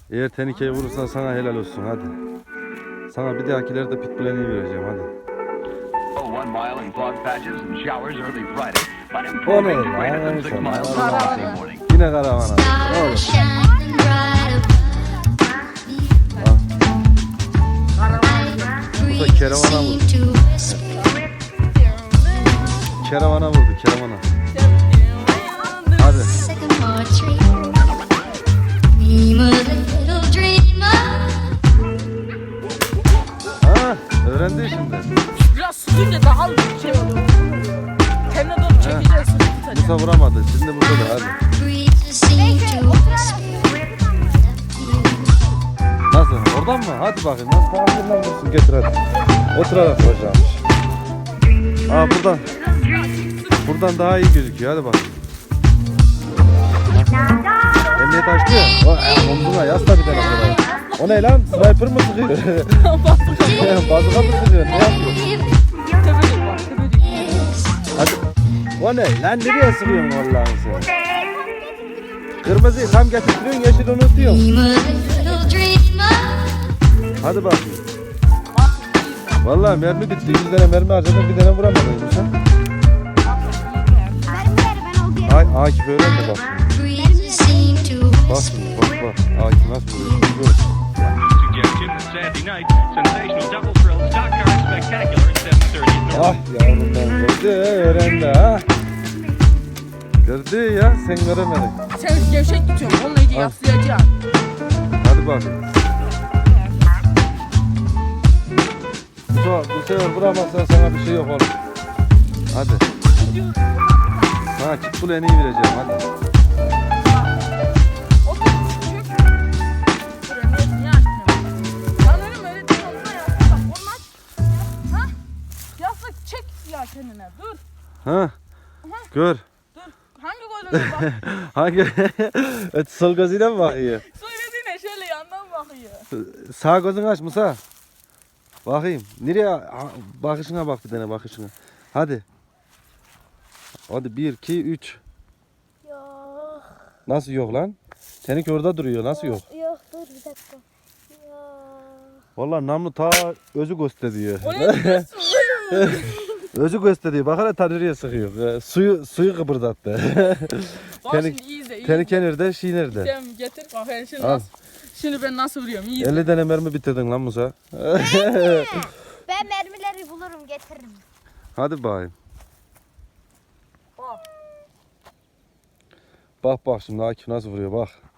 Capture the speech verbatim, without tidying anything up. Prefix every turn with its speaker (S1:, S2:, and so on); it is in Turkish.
S1: Eğer tenikeyi vurursan sana helal olsun hadi. Sana bir dahakilerde pitbull en iyi vereceğim hadi.
S2: one mile in fog patches and showers early Friday, but
S1: O ne
S2: improving to greater than
S1: lan
S2: six
S1: sana?
S2: miles on Wednesday morning.
S1: Yine karavana. Ne olur. Bu da keravana vurdu. Keravana vurdu keravana. Hadi. Ha, öğrendi şimdi.
S3: Biraz sıkınca daha şey olur. Kendine doğru çekeceğiz.
S1: Musa vuramadı. Şimdi burada da hadi. Nasıl? Oradan mı? Hadi bakayım. Nasıl tarafından vursun? Getir hadi. Oturarak vuracağım. Aa buradan. Buradan daha iyi gözüküyor. Hadi bak. Emniyet açtı ya. O e, omzuna yasla bir tane kadar. O ne lan? Sniper mı sıkıyor? Bazuka mı sıkıyor? Ne yapıyor?
S3: Tebrik bak, tebrik.
S1: Hadi. O ne? Lan nereye sıkıyorsun Allah'ını sen? Kırmızıyı tam getiriyorsun, yeşil unutuyorsun. Hadi bakayım. Vallahi mermi bitti. Yüz tane mermi harcadım. Bir tane vuramadın sen. Ay, Akif öğrendi bak. Bak şimdi, bak bak. Akif nasıl vuruyor? Dur.
S2: Suggestion that Saturday night, sensational double thrill stock car spectacular at seven thirty.
S1: Ah yavrum ben gördü, öğrendi ha. Gördü ya, sen göremedin.
S3: Sen gevşek tutuyorsun. Onunla iyice yaslayacaksın.
S1: Hadi bakayım. Bu, bu sefer vuramazsan sana bir şey yok oğlum. Hadi. Sana pitbull en iyi vereceğim hadi.
S3: Otur, çök. Dur, emniyet niye açmıyor? Lan oğlum öyle değil, olsa yasla. Bak, olmaz. Ha? Yasla, çek ya kendine. Dur,
S1: Ha? Gör.
S3: dur. Hangi gözüne bak?
S1: Hangi? Evet, sol gözüyle mi bakıyor?
S3: Söylediğine şöyle yandan bakıyor.
S1: Sağ gözünü aç Musa. Bakayım. Nereye? Ha, bakışına bak bir tane bakışına. Hadi. Hadi bir, iki, üç.
S4: Yok.
S1: Nasıl yok lan? Seninki orada duruyor. Nasıl yok?
S4: Yok dur bir dakika. Yok.
S1: Vallahi namlu ta özü gösteriyor.
S3: O ne diyorsun?
S1: Özü gösteriyor. Bak hele ta nereye sıkıyor. Ee, suyu suyu kıpırdattı.
S3: Bak
S1: Tenik-
S3: şimdi iyi izle, iyi
S1: Tenike
S3: izle.
S1: nerede? Şey nerede?
S3: Sen getir, bak ben şimdi
S1: Al.
S3: nasıl, şimdi ben nasıl vuruyorum, iyi izle.
S1: elli tane mermi bitirdin lan Musa.
S4: Ben mermileri bulurum getiririm.
S1: Hadi bakayım.
S3: Bak.
S1: Bak bak şimdi Akif nasıl vuruyor bak.